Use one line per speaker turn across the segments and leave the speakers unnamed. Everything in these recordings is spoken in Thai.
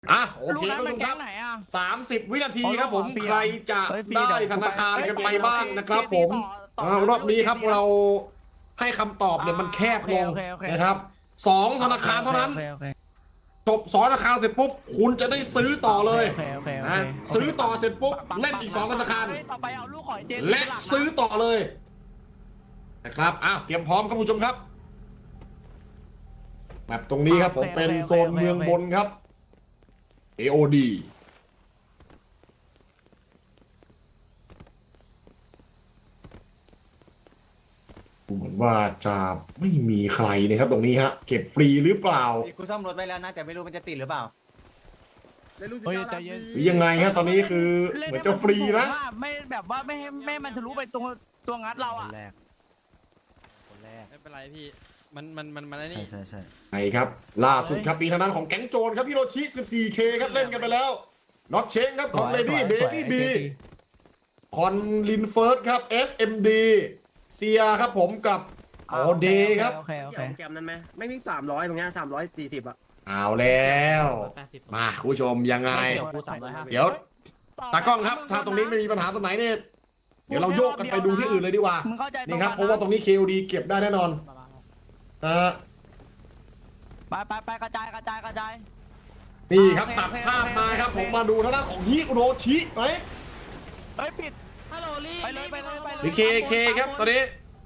โอเคท่านผู้ชมครับ30 วินาทีครับผมใครจะได้ธนาคารกันไปบ้างนะครับผมรอบนี้ครับเราให้คำตอบเนี่ยมันแคบลงนะครับ2 ธนาคารเท่านั้นจบ2 ธนาคารเสร็จปุ๊บคุณจะได้ซื้อต่อเลยนะซื้อต่อเสร็จปุ๊บเล่นอีก2 ธนาคารและซื้อต่อเลยนะครับเตรียมพร้อมครับผู้ชมครับแบบตรงนี้ครับผมเป็นโซนเมืองบนครับ AOD เหมือนว่าจะไม่มีใครนะครับตรงนี้ฮะเก็บฟรีหรือเปล่า
กูซ่อมรถไว้แล้วนะแต่ไม่รู้มันจะติดหรือเปล่า
หรือยังไงฮะตอนนี้คือเหมือนจะฟรีนะ
ไม่แบบว่าไม่ให้มันทะลุไปตรงตัวงัดเราอ่ะ
คนแรก
ไม่เป็นไรพี่มันอะไรนี่
ใช่
ไงครับล่าสุดครับปีทางนั้นของแก๊งโจรครับพี่โรชิ 14K ครับเล่นกันไปแล้วน็อตเชงครับของเลดี้เบบี้บีคอนลินเฟิร์สครับ SMD เซียครับผมกับโอเดครับ
โอเค
แกมนั้นไหมไม่มี300ตรงเนี้ย340อ่ะ
เอาแล้วมาคุณผู้ชมยังไงเดี๋ยวตากล้องครับถ้าตรงนี้ไม่มีปัญหาตรงไหนเนี่ยเดี๋ยวเราโยกกันไปดูที่อื่นเลยดีกว่านี่ครับเพราะว่าตรงนี้ KOD เก็บได้แน่นอน
ไปกระจาย
นี่ครับตัดภาพมาครับผมมาดูทางด้านของฮิโรชิไหม
ปิดฮัลโหลลี่ไปเลย
หรือ KK ครับตอนนี้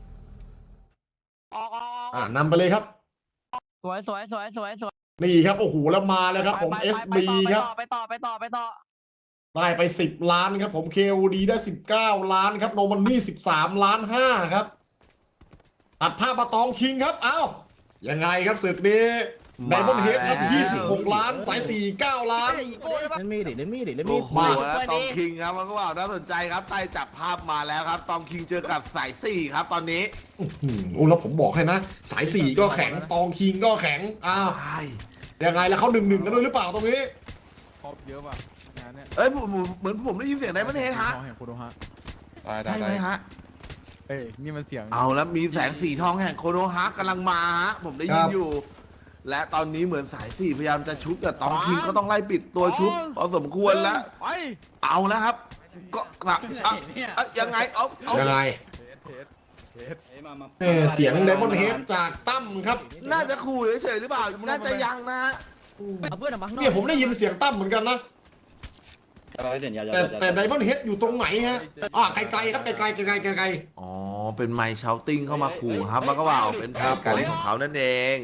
ออก
นำไปเลยครับ
สวย
นี่ครับโอ้โหแล้วมาแล้วครับผม SB ครับ
ไปต่อ
ได้ไป10 ล้านครับผม KOD ได้19 ล้านครับโนมันนี่13.5 ล้านครับตัดภาพมาตองคิงครับยังไงครับศึกนี้ไดมอนด์เฮดครับ26 ล้านสาย4 9 ล้าน
เล่นมีด
มาตองคิงครับมันก็ว่าน่าสนใจครับใต้จับภาพมาแล้วครับตองคิงเจอกับสาย4ครับตอนนี้
แล้วผมบอกให้นะสาย4ก็แข็งตองคิงก็แข็งยังไงแล้วเขา1-1กันด้วยหรือเปล่าตรงนี้
ครบเยอะป่ะงานเนี้ย
เหมือนผมได้ยินเสียงไดมอนด์เฮดฮะได้ไหมฮะ
นี่มันเสียง
เอาแล้วมีแสงสีทองแห่งโคโนฮะกำลังมาฮะผมได้ยินอยู่และตอนนี้เหมือนสาย4พยายามจะชุบแต่ตองคิงก็ต้องไล่ปิดตัวชุบพอสมควรแล้วเอาแล้วครับก็ยังไง
ยังไงเสียงไดมอนด์เฮดจากตั้มครับ
น่าจะขู่เฉยๆหรือเปล่าน่าจะยังนะ
เนี่ยผมได้ยินเสียงตั้มเหมือนกันนะแต่ไดมอนด์เฮดอยู่ตรงไหนฮะไกลๆครับไกล
อ๋อเป็นไมค์เชาติ้งเข้ามาขู่ครับมันก็ว่าเป็นแผนการเล่นของเขานั่นเอง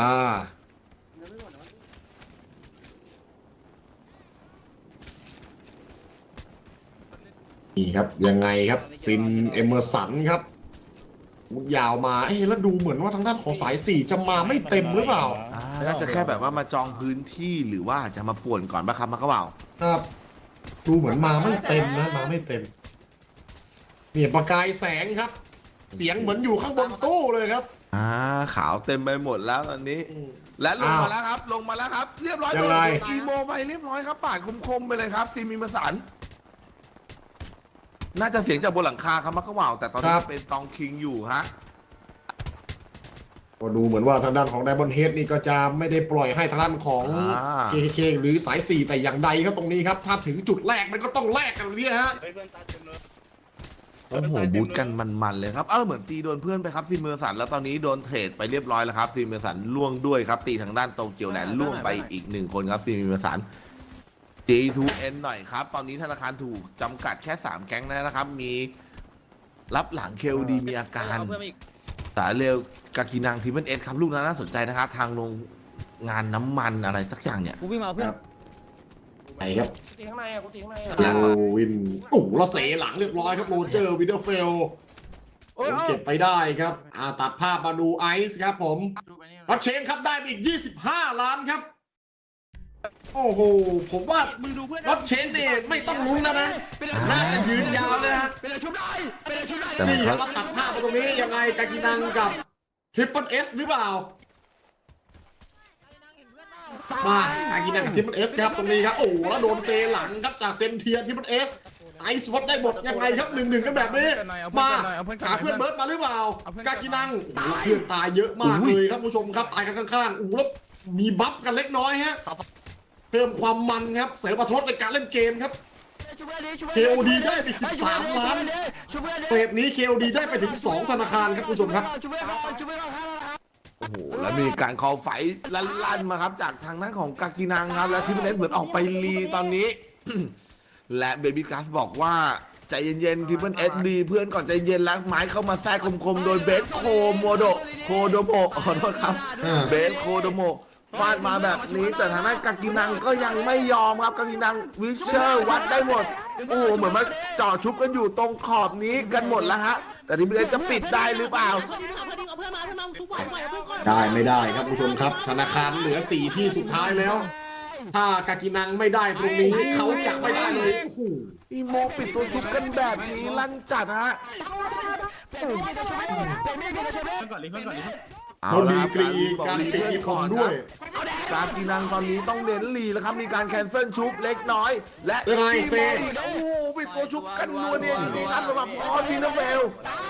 นี่ครับยังไงครับซินเอเมอร์สันครับมุดยาวมาแล้วดูเหมือนว่าทางด้านของสาย4จะมาไม่เต็มหรือเปล่า
น่าจะแค่แบบว่ามาจองพื้นที่หรือว่าจะมาป่วนก่อนป่ะครับมันก็ว่า
ครับดูเหมือนมาไม่เต็มนะมาไม่เต็มเนี่ยประกายแสงครับเสียงเหมือนอยู่ข้างบนตู้เลยครับ
ขาวเต็มไปหมดแล้วตอนนี้และลงมาแล้วครับเรียบร้อยโดนอีโมไปเรียบร้อยครับปาดคมๆไปเลยครับซีมีมาสันน่าจะเสียงจากบนหลังคาครับมักกะว่าวแต่ตอนนี้เป็นตองคิงอยู่ฮะ
ก็ดูเหมือนว่าทางด้านของไดมอนด์เฮดนี่ก็จะไม่ได้ปล่อยให้ทางด้านของ KK หรือสาย4แต่อย่างใดครับตรงนี้ครับถ้าถึงจุดแรกมันก็ต้องแลกกันเนี่ยฮะ
โอ้โหบูทกันมันเลยครับเหมือนตีโดนเพื่อนไปครับซีเมอร์สันแล้วตอนนี้โดนเทรดไปเรียบร้อยแล้วครับซีเมอร์สันล่วงด้วยครับตีทางด้านโตเกียวแลนด์ล่วงไปอีก1 คนครับซีเมอร์สัน J2N หน่อยครับตอนนี้ธนาคารถูกจำกัดแค่3แก๊งนะครับมีรับหลัง KOD มีอาการสายเร็วกากินังทีมเอสครับลูกนั้นน่าสนใจนะครับทางโรงงานน้ำมันอะไรสักอย่างเนี่ย
กูวิ่งมาเพื่อน
ไหนครับ
ตีข้างในกูตีข้างใน
โรวินเราเสหลังเรียบร้อยครับโรเจอร์วินเดอร์เฟลเก็บไปได้ครับตัดภาพมาดูไอซ์ครับผมรัชเชนครับได้อีก25 ล้านครับโอ้โหผมว่ารัชเชนเนี่ยไม่ต้องลุ้นนะน่าจะยืนยาวเลยฮะนี่ครับตัดภาพมาตรงนี้ยังไงกากินังกับทริปเปิลเอสหรือเปล่ามากากินังกับทริปเปิลเอสครับตรงนี้ครับแล้วโดนเซหลังครับจากเซนเทียทริปเปิลเอสไอซ์วัดได้หมดยังไงครับ1-1กันแบบนี้มาหาเพื่อนเบิร์ดมาหรือเปล่ากากินังเพื่อนตายเยอะมากเลยครับผู้ชมครับตายกันข้างๆแล้วมีบัฟกันเล็กน้อยฮะเพิ่มความมันครับเสริมอรรถรสในการเล่นเกมครับ KOD ได้ไป13 ล้านเฟสนี้ KOD ได้ไปถึง 2 ธนาคารครับคุณผู้ชมครับ
โอ้โหแล้วมีการคอไฟลั่นๆมาครับจากทางด้านของกากินังครับและที่เป็นเหมือนออกไปรีตอนนี้ และเบบี้กัสบอกว่าใจเย็นๆที่เพื่อนเอสดีเพื่อนก่อนใจเย็นแล้วไม้เข้ามาแทรกคมๆโดยเบสโคโดโมขอโทษครับเบสโคโดโมฟาดมาแบบนี้แต่ทางด้านกากินังก็ยังไม่ยอมครับกากินังวิเชอร์วัดได้หมดโอ้โหเหมือนมาจ่อชุบกันอยู่ตรงขอบนี้กันหมดแล้วฮะแต่ทีมเอสจะปิดได้หรือเปล่า
ได้ไม่ได้ครับคุณผู้ชมครับธนาคารเหลือ4ที่สุดท้ายแล้ว ถ้ากากินังไม่ได้ตรงนี้เขาจะไม่ได้เลยโอ้โห
อีโมปิดตัวชุบกันแบบนี้ลั่นจัดฮะ
เขาดีกรีการตีของด้วย
การกินังตอนนี้ต้องเน้นลีแล้วครับมีการแคนเซิลชุบเล็กน้อย และ
ยังไงเซ
โอ้โหปิดตัวชุบกันนัวเนี่ยจริงๆครับสำหรับพอทีนะเฟล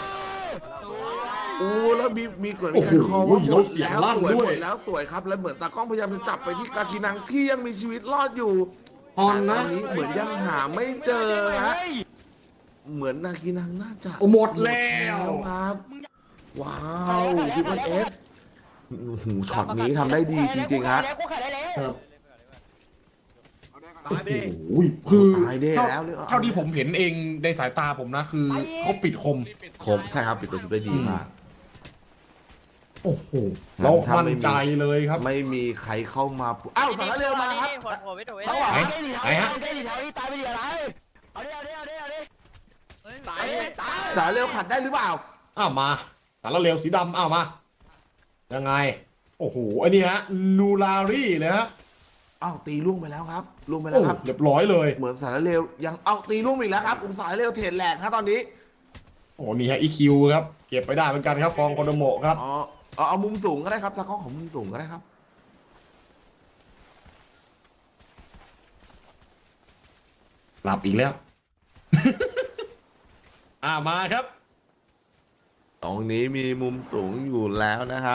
โอ้แล้วมีเกิดมีการคอว่าหมดแล้วสวยหมดแล้วสวยครับแล้วเหมือนตากล้องพยายามจะจับไปที่กากินังที่ยังมีชีวิตรอดอยู่
ออนนะ
ตอนนี้เหมือนยังหาไม่เจอฮะเหมือนนากินังน่าจะ
หมดแล้ว
ครับว้าวทิปเปิลเอสช็อตนี้ทำได้ดีจริงๆฮะ
ครับโอ้โหคือ
ตายได้แล้วเนี่ย
เท่าที่ผมเห็นเองในสายตาผมนะคือเขาปิดคม
คมใช่ครับปิดตัวชุดได้ดีมาก
โอ้โหเรามั่นใจเลยครับ
ไม่มีใครเข้ามาอ้าวสารเร็วมาครับ
ไหนไหนฮะ
สารเร็วขัดได้หรือเปล่า
อ้าวมาสารเลวสีดำอ้าวมายังไงโอ้โหไอ้นี่ฮะนูลารี่เลยฮะ
อ้าวตีล่วงไปแล้วครับล่วงไปแล้
โอ้
วครับ
เรียบร้อยเลย
เหมือนสารเร็วยังเอาตีล่วงอีกแล้วครับสารเร็วเทรดแหลกครับตอนนี้
โอ้นี่ฮะอีคิวครับเก็บไปได้เหมือนกันครับฟองโคโดโมะครับ
อ๋อเอามุมสูงก็ได้ครับตากล้องของมุมสูงก็ได้ครับ
หลับอีกแล้ว มาครับ
ตรงนี้มีมุมสูงอยู่แล้วนะครับ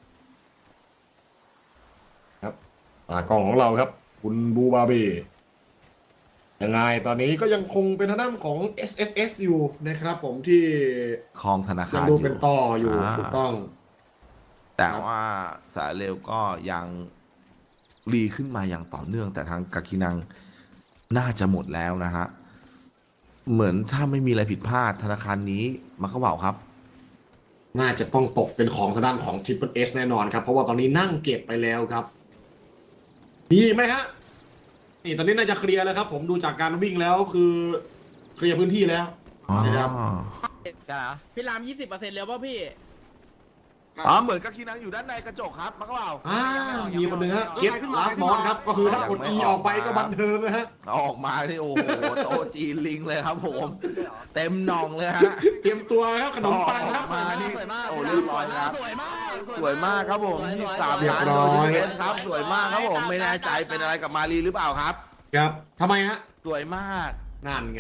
ตากล้องของเราครับ คุณบูบาเบยังไงตอนนี้ก็ยังคงเป็นทางด้านของ SSS อยู่นะครับผมที่
คลองธนา
ยั
คาง ร
ดู
อยู่
เป็นต่ออยู่ถูกต้อง
แต่ว่าสารเร็วก็ยังรีขึ้นมาอย่างต่อเนื่อง แต่ทางกากินังน่าจะหมดแล้วนะฮะเหมือนถ้าไม่มีอะไรผิดพลาดธนาคารนี้มาเข้าเบาครับ
น่าจะต้องตกเป็นของทางด้านของ Triple S แน่นอนครับ เพราะว่าตอนนี้นั่งเก็บไปแล้วครับมีอีกไหมฮะนี่ตอนนี้น่าจะเคลียร์แล้วครับ ผมดูจากการวิ่งแล้วคือเคลียร์พื้นที่แล้วนะครับ
พี่ราม20%แล้วป่ะพี่
เหมือนกากินังอยู่ด้านในกระจกครับมาเข้าเบา
มีคนหนึ่งฮะเก็ตลาฟมอนครับก็คือถ้ากด E ออกไปก็บันเทิงนะฮะ
เอาออกมาที่โอ้โหโตะจีนลิงเลยครับผมเต็มหนองเลยฮะ
เตรียมตัวครับขนมปังครับ
มานี่โอ้เรียบร้อยครับสวยมากครับผม23
เรีย
ล้า
บ
น
ร้อย
โดยครับสวยมากครับผมไม่แน่ใจเป็นอะไรกับมารีหรือเปล่าครับ
ครับทำไมฮะ
สวยมาก
นั่นไง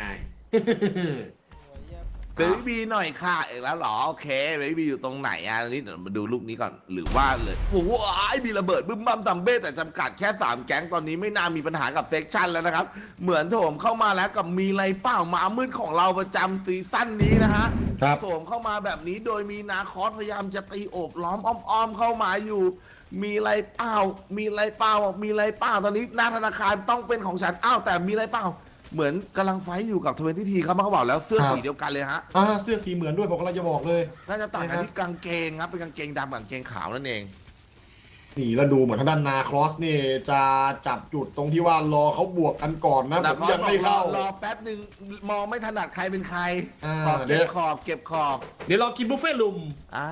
เบบี้บีหน่อยค่ะอีกแล้วเหรอโอเคเบบี้บีอยู่ตรงไหนอ่ะนี่เดี๋ยวมาดูลูกนี้ก่อนหรือว่าเลยโอ้โหมีระเบิดบึ้มบั้มซัมเบ้แต่จำกัดแค่3แก๊งตอนนี้ไม่น่ามีปัญหากับเซ็กชันแล้วนะครับเหมือนโถมเข้ามาแล้วกับมีไรเปล่าหมามืดของเราประจำซีซั่นนี้นะฮะ
ครับ
โถมเข้ามาแบบนี้โดยมีนาคอสพยายามจะตีโอบล้อมอ้อมๆเข้ามาอยู่ มีไรเปล่ามีไรเปล่ามีไรเปล่าตอนนี้หน้าธนาคารต้องเป็นของฉันอ้าวแต่มีไรเปล่าเหมือนกำลังไฟท์อยู่กับ20 ทีครับมาเขาบอกแล้วเสื้อสีเดียวกันเลยฮะ
เสื้อสีเหมือนด้วยผมกำลังจะบอกเลย
น่าจะต่างกันที่กางเกงครับเป็นกางเกงดำกับกางเกงขาวนั่นเอง
นี่แล้วดูเหมือนทางด้านนาครอสนี่จะจับจุดตรงที่ว่ารอเขาบวกกันก่อนนะผมยังไม่เข้าร
อแป๊บหนึ่งมองไม่ถนัดใครเป็นใคร
ขอบ
เก็บขอบเก็บขอบ
เดี๋ยวเรากินบุฟเฟ่ต์ลุม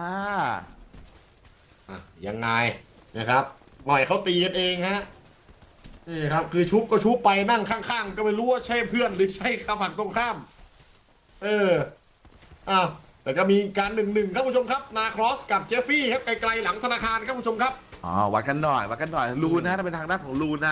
ยังไงนะครับหน่อยเขาตีกันเองฮะนี่ครับคือชุบก็ชุบไปนั่งข้างๆก็ไม่รู้ว่าใช่เพื่อนหรือใช่ข้าฝั่งตรงข้ามแต่ก็มีการ1-1ครับผู้ชมครับนาครอสกับเจฟฟี่ครับไกลๆหลังธนาคารครับผู้ชมครับ
วัดกันหน่อยลูนนะถ้าเป็นทางด้านของลูนนะ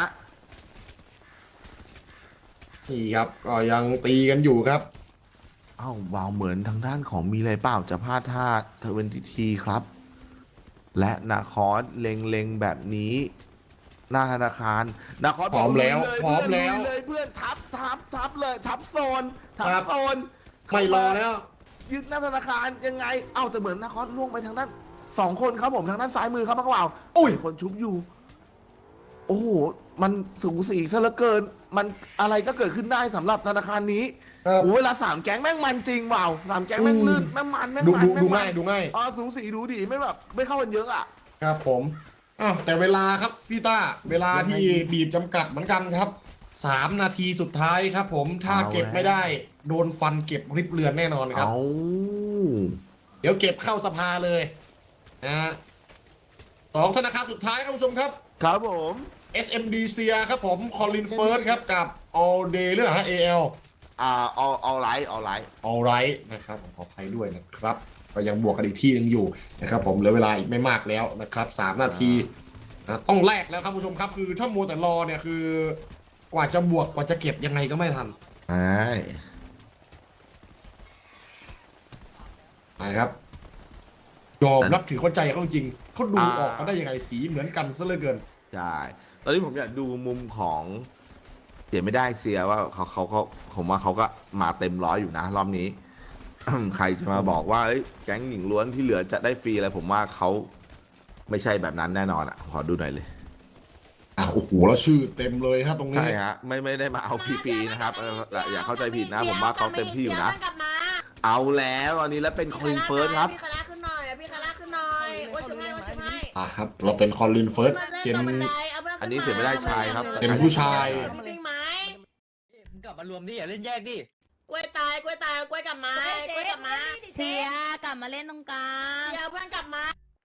นี่ครับก็ยังตีกันอยู่ครับ
วาวเหมือนทางด้านของมีอะไรเปล่าจะพลาดท่า20 ทีครับและนาคอสเล็งแบบนี้หน้าธนาคารนาคอส
พร้อมแล้ว
เลย
พร้อมแล้ว
เลยเพื่อนทับเลยทับโซนทับ
ครับ
โซน
ไม่รอแล้ว
ยึดหน้าธนาคารยังไงเอ้าแต่เหมือนนาคอสล่วงไปทางด้าน2 คนครับผมทางด้านซ้ายมือครับมักกะเบา
อุ้ย
มีคนชุบอยู่ โอ้โหมันสูสีซะเหลือเกิน มันอะไรก็เกิดขึ้นได้สำหรับธนาคารนี้
ครับ
โอ้เวลา3 แก๊งแม่งมันจริงว่าว3 แก๊งแม่งลื่นแม่งมันแม่ง
ดู
มัน
ดู
แม่
ดู
งมัน
ง่ายดูง่าย
อ๋อสูสีดูดีไม่แบบไม่เข้ากันเยอะอ่ะ
ครับผมอ้าวแต่เวลาครับพี่ต้าเวลาที่บีบจำกัดเหมือนกันครับ3 นาทีสุดท้ายครับผมถ้าเก็บไม่ได้โดนฟันเก็บริบเรือนแน่นอนครับ
เอา
เดี๋ยวเก็บเข้าสภาเลยนะฮะ2 ธนาคารสุดท้ายครับผู้ชมครับ
ครับผม
SMD เซียครับผมคอลินเฟิร์สครับกับ All Day หรือเปล่าฮะ AL
เอาไลท์
All Right นะครับผมขออภัยด้วยนะครับก็ยังบวกกันอีกที่หนึงอยู่นะครับผมเหลือเวลาอีกไม่มากแล้วนะครับ3 นาทีนะต้องแลกแล้วครับผู้ชมครับคือถ้ามัวแต่รอเนี่ยคือกว่าจะบวกกว่าจะเก็บยังไงก็ไม่ทัน
ใช่
ไปครับยอมรับถือเข้าใจเขาจริงเขาดูออกมาได้ยังไงสีเหมือนกันซะเหลือเกิน
ใช่ตอนนี้ผมอยากดูมุมของเสียไม่ได้เสียว่าเขาผมว่าเขาก็มาเต็มร้อยอยู่นะรอบนี้ ใครจะมาบอกว่าเอ้ยแก๊งหญิงล้วนที่เหลือจะได้ฟรีอะไรผมว่าเขาไม่ใช่แบบนั้นแน่นอนอ่ะขอดูหน่อยเลย
โอ้โหแล้วชื่อเต็มเลยครับตรงนี้
ใช่ฮะไม่ได้มาเอาฟรีๆนะครับอย่าเข้าใจผิดนะ ผมว่าเขาเต็มที่อยู่นะ เอาแล้วตอนนี้แล้วเป็นคอลินเฟิร์สครับ
พี่คาร่าขึ้นหน่อยพี่คาร่าขึ้นหน่อยโอ้ยช่วยให้โอ้ยช่วยให้
ครับเราเป็นคอลินเฟิร์สเจน
อันนี้เสียไม่ได้ชายครับ
เป็นผู้ชาย
พี่ปิ้งไม้
มึงกลับมารวมดิอย่าเล่นแยกดิ
กล้วยตายกล้วยตายกล้วยกลับมากล้วยกลับมา
เสียกลับมาเล่นตรงกลาง
เดี๋ยวเพื่อนกลับมาก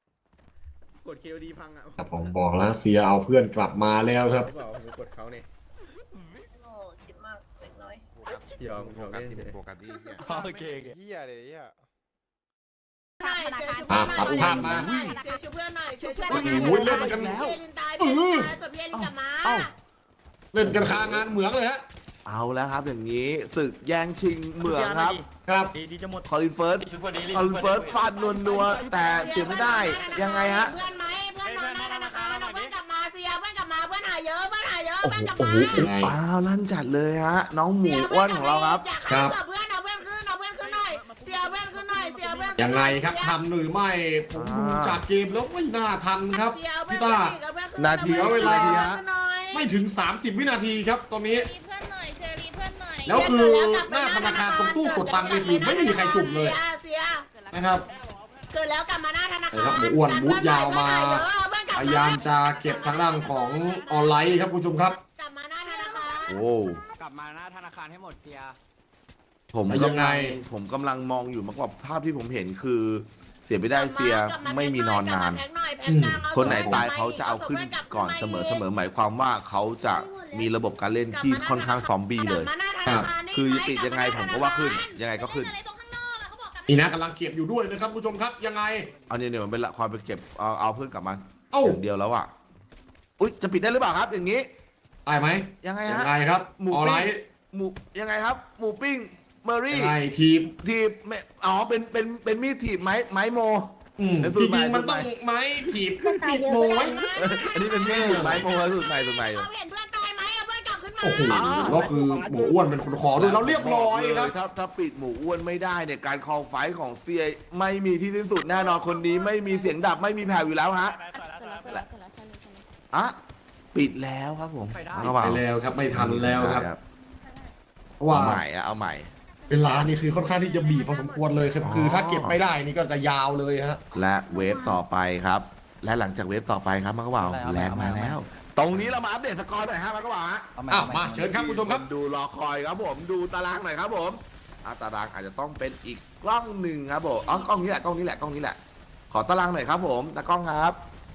ด KOD พังอ่ะ
ครับผมบอกแล้วเสียเอาเพื่อนกลับมาแล้วครับ
เปล่าผมกดเขาเนี่ย
โอ้คิดมากเล็กน้อย
ยอมเล่นเลย
โฟกัสที่
โอเค
เฮียเลยเฮีย
ใช่
ธนาคาร
ตัดภาพมา
เสียชูเพื่อนหน่อยเสียชู
โอ้
เพื่อน
โหเล่นกัน
เพี่ลินตายพี่ลินตายส่วนพี่ลินกลับมา
เล่นกันคางานเหมืองเลยฮะ
เอาแล้วครับอย่างนี้ศึกแย่งชิงเหมืองครับ
ครับ
ดีจะหมด
คอลินเฟิร์สคอลินเฟิร์สฟาดนัวๆแต่เสียไม่ได้ยังไงฮะ
เพื่อนไหมเพื่อนมาหน้าธนาคารเอาเพื่อนกลับมาเสียเพื่อนกลับมาเพื่อนหายเยอะเพื่อนหายเยอะ
โอ้
เพื่อนกลับ
โห
มา
อ้าวลั่นจัดเลยฮะน้องหมูอ้วนของเราครับ
อยากฆ่าเพื่อนเอาเพื่อนขึ้นเอาเพื่อนขึ้นหน่อยเสียเพื่อนขึ้นหน่อยเสียเพื่อน
ยังไงครับทำหรือไม่ผมดูจากเกมแล้วไม่น่าทันครับพี่ต้า
นาที
เวลา
ไม่
ไม่ถึง 30 วินาทีครับตอนนี้
รีเพื่อนหน่อยเชอรีเพื่อนหน่อย
แล้วคือหน้าธนาคารตรงตู้กดตังค์นี่คือไม่มีใครจุ่มเลย
เสีย
นะครับ
เกิดแล้วกลับมาหน้าธนาคาร
ครับหมูอ้วนบูทยาวมา พยายามจะเก็บทางด้านของออนไลน์ครับคุณผู้ชมครับ
กลับมาหน้าธนาคาร
โอ้
กลับมาหน้าธนาคารให้หมดเสีย
ผม
ยังไง
ผมกำลังมองอยู่มากกว่าภาพที่ผมเห็นคือ เสียไม่ได้เสียไม่มีนอนนาน คนไหนตายเขาจะเอาขึ้นก่อนเสมอหมายความว่าเขาจะมีระบบการเล่นที่ค่อนข้างซอมบี้เลย คือติดยังไงผมก็ว่าขึ้นยังไงก็ขึ้น
อะไรตรงข้างนอกอะเขาบอกกลับ
นี่นะกำลังเก็บอยู่ด้วยนะครับคุณผู้ชมครับยังไง
เอาเนี่ยมันเป็นละความไปเก็บเอาเพื่อนกลับมา
เอ้า
อย่างเดียวแล้วอ่ะอุ๊ยจะปิดได้หรือเปล่าครับ อย่างนี้
ได้ไหม
ยังไง
ยั
ฮะ
งไงครับ
หมู
ออน
ปิ้
ไล
ง
น์
หมูยังไงครับ หมูปิ้งเมอรี่
ยังไงทีม
ทีบไม่อ๋อเป็นมีดถีบไม้โม เป็นสู
จ
ตรใหม่
ริงๆมันต้องไม้ถีบปิดโมไว้
อันนี้เป็นมีดถีบไม้โมสูตรใหม่
เราเห็นเพื่อนตายไหมเอาเพื่อนกลับขึ้นมา
โอ้โหแล้วคือหมูอ้วนเป็นคนขอด้วยเราเรียบร้อยครับ
ถ้าปิดหมูอ้วนไม่ได้เนี่ยการคอลไฟท์ของเซียไม่มีที่สิ้นสุดแน่นอนคนนี้ไม่มีเสียงดับไม่มีแผ่วอยู่แล้วฮะอ่ะปิดแล้วครับผมเอา
ไปแล้วครับไม่ทันแล้วครับเพราะว่า
เอาใหม่เอาใหม่
เวลานี่คือค่อนข้างที่จะบีบพอสมควรเลยครับคือถ้าเก็บไม่ได้นี่ก็จะยาวเลยฮะ
และเวฟต่อไปครับ และหลังจากเวฟต่อไปครับมันก็บอกแลนด์มาแล้ว ตรงนี้เรามาอัปเดตสกอร์หน่อยฮะมันก็บอกฮะ
มาเชิญครับคุณผู้ชมครับ
ดูรอคอยครับผมดูตารางหน่อยครับผมตารางอาจจะต้องเป็นอีกกล้องหนึ่งครับผมกล้องนี้แหละกล้องนี้แหละ ขอตารางหน่อยครับผมตากล้องครับ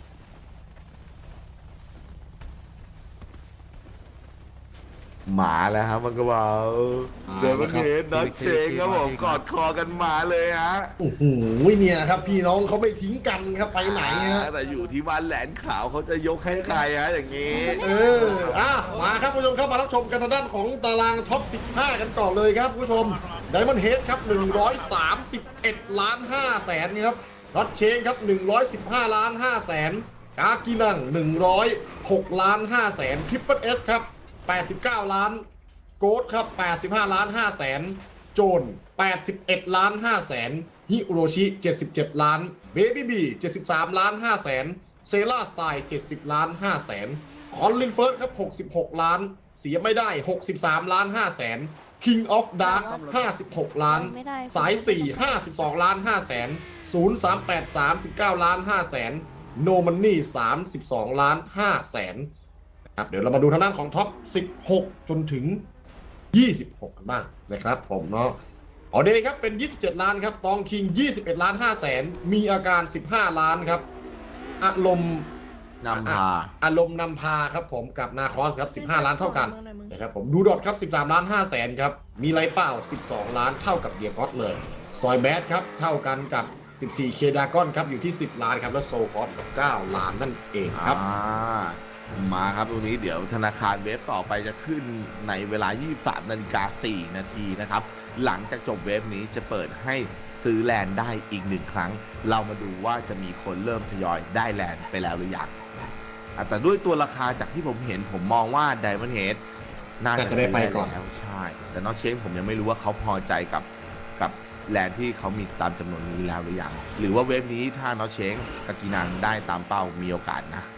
มาแล้วครับมันก็บอกเดินมาเห็นนัดเชงครับผมกอดคอกันมาเลยฮะ
โอ้โหเนี่ยครับพี่น้องเขาไม่ทิ้งกันครับไปไหนฮะ
แต่อยู่ที่บ้านแหลนขาวเขาจะยกให้ใครฮะอย่างนี้
มาครับคุณผู้ชมครับมารับชมกันทางด้านของตารางท็อป 15 กันก่อนเลยครับคุณผู้ชมไดมอนด์เฮดครับ131.5 ล้านครับรอดเชงครับ115.5 ล้านกากินัง106ล้าน5แสนทริปเปิลเอสครับ89ล้านโกดครับ85ล้าน5แสนโจน81ล้าน5แสนฮิโรชิ77ล้านเบบี้บี73ล้าน5แสนเซล่าสไตล์70ล้าน5แสนคอนลินเฟิร์สครับ66ล้านเสียไม่ได้63ล้าน5แสน King of Dark 56ล้านสาย4 52ล้าน5แสน038 39ล้าน5แสนโนมันนี่32ล้าน5แสนครับเดี๋ยวเรามาดูทางด้านของท็อป16จนถึง26กันบ้างนะครับผมเนาะออเดย์ครับเป็น27ล้านครับตองคิง21ล้าน5แสนมีอาการ15ล้านครับอารมณ์นำพาครับผมกับนาคอสครับ15ล้านเท่ากันนะครับผมดูดอทครับ13ล้าน5แสนครับมีไรเป้า12ล้านเท่ากับเดียกอสเลยซอยแบดครับเท่ากันกับ14เคดากอนครับอยู่ที่10ล้านครับแล้วโซฟอสกับ9ล้านนั่นเองครับ
มาครับตรงนี้เดี๋ยวธนาคารเวฟต่อไปจะขึ้นในเวลา 23:04 นาทีนะครับหลังจากจบเวฟนี้จะเปิดให้ซื้อแลนด์ได้อีก1ครั้งเรามาดูว่าจะมีคนเริ่มทยอยได้แลนด์ไปแล้วหรือยังแต่ด้วยตัวราคาจากที่ผมเห็นผมมองว่า Diamond Head น่าจะได้ไปก่อนแล้วใช่แต่น้องเชงผมยังไม่รู้ว่าเขาพอใจกับแลนด์ที่เขามีตามจำนวนนี้แล้วหรือยังหรือว่าเวฟนี้ถ้าน้องเชงกากินันได้ตามเป้ามีโอกาสนะ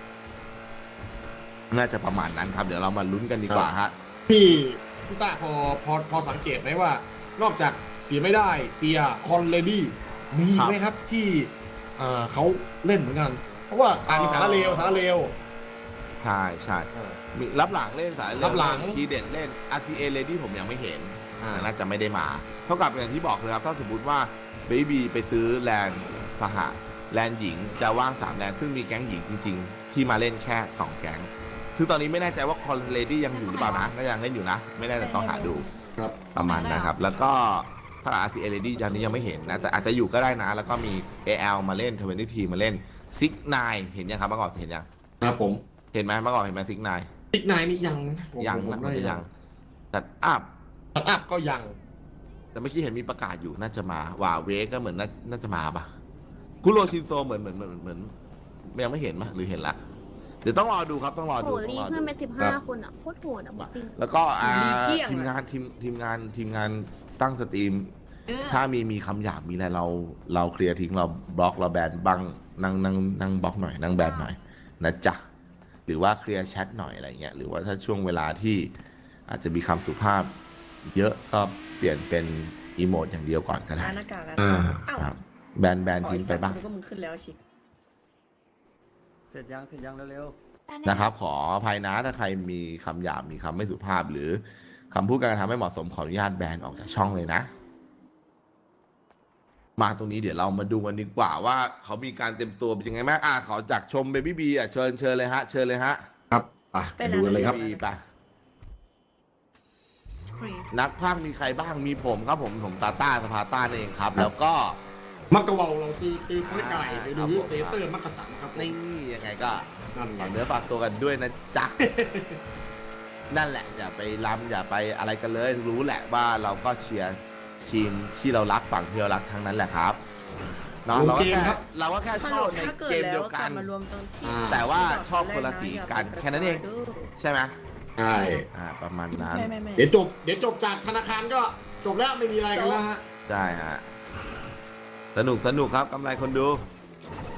น่าจะประมาณนั้นครับเดี๋ยวเรามาลุ้นกันดีกว่าฮะ
พี่ต้าพอสังเกตไหมว่านอกจากเสียไม่ได้เซียคอนเลดี้มีไหมครับที่เขาเล่นเหมือนกันเพราะว่ามีสารเลว
ใช่มีรับหลังเล่นสาย
รับหลัง
ทีเด่นเล่น RTA Lady ผมยังไม่เห็นน่าจะไม่ได้มาเท่ากับอย่างที่บอกเลยครับถ้าสมมติว่าเบบี้ไปซื้อแลนด์สหแลนด์หญิงจะว่าง3แลนด์ซึ่งมีแก๊งหญิงจริงๆที่มาเล่นแค่2แก๊งคือตอนนี้ไม่แน่ใจว่าคอนเลดี้ยังอยู่หรือเปล่านะก็ยังเล่นอยู่นะไม่แน่ใจต้องหาดูประมาณนะครับแล้วก็ถ้า RTA Lady ตอนนี้ยังไม่เห็นนะแต่อาจจะอยู่ก็ได้นะแล้วก็มี AL มาเล่น20 ทีมาเล่นซิกนายเห็นยังครับเมื่อก่อนเห็นยัง
ครับผม
เห็นไหมเมื่อก่อนเห็นไหมซิกนาย
นี่ยัง
นะมันจะยังตัดอัพ
ก็ยัง
แต่เมื่อกี้เห็นมีประกาศอยู่น่าจะมาว่าเวก็เหมือนน่าจะมาปะคุโรชินโซเหมือนยังไม่เห็นมั้ยหรือเห็นละเดี๋ยวต้องรอดูครับต้องรอดู
รีเพื่อนเป็น15คนอ่ะโคตรโหดอ่ะ
แล้วก็ทีมงานตั้งสตรีมถ้ามีคำหยาบมีอะไรเราเคลียร์ทิ้งเราบล็อกเราแบนบังนั่งบล็อกหน่อยนั่งแบนหน่อยนะจ๊ะหรือว่าเคลียร์แชทหน่อยอะไรเงี้ยหรือว่าถ้าช่วงเวลาที่อาจจะมีคำสุภาพเยอะก็เปลี่ยนเป็นอีโมดอย่างเดียวก่อนก็ได้ครับแบนทิ้งไปบ้าง
เสร็จยังเร็ว
ๆนะครับขออภัยนะถ้าใครมีคำหยาบมีคำไม่สุภาพหรือคำพูดการกระทำไม่เหมาะสมขออนุญาตแบนออกจากช่องเลยนะมาตรงนี้เดี๋ยวเรามาดูกันดีกว่าว่าเขามีการเต็มตัวเป็นยังไงบ้างขอจากชมเบบี้บีเชิญเลยฮะ
ครับไปดูกันเลยครับ
นักพากย์มีใครบ้างมีผมครับผมตาต้าสภาต้าเองครับแล้วก็
มักกะวาวเราซีตีพ้อยไก่ไปดูเซเตอร์มักกะสันครับ
นี่ยังไงก็ฝากเนื้อฝากตัวกันด้วยนะจ๊ะนั่นแหละอย่าไปล้ำอย่าไปอะไรกันเลยรู้แหละว่าเราก็เชียร์ทีมที่เรารักฝั่งที่เรารักทั้งนั้นแหละครับเนาะเราก็แค่ชอบในเกมเดียวกันแต่ว่าชอบคนละสีกันแค่นั้นเองใช่ไหม
ใช่
ประมาณนั้น
เดี๋ยวจบจากธนาคารก็จบแล้วไม่มีอะไรกันแล้วฮะ
ใช่ฮะสนุกครับกำไรคนดู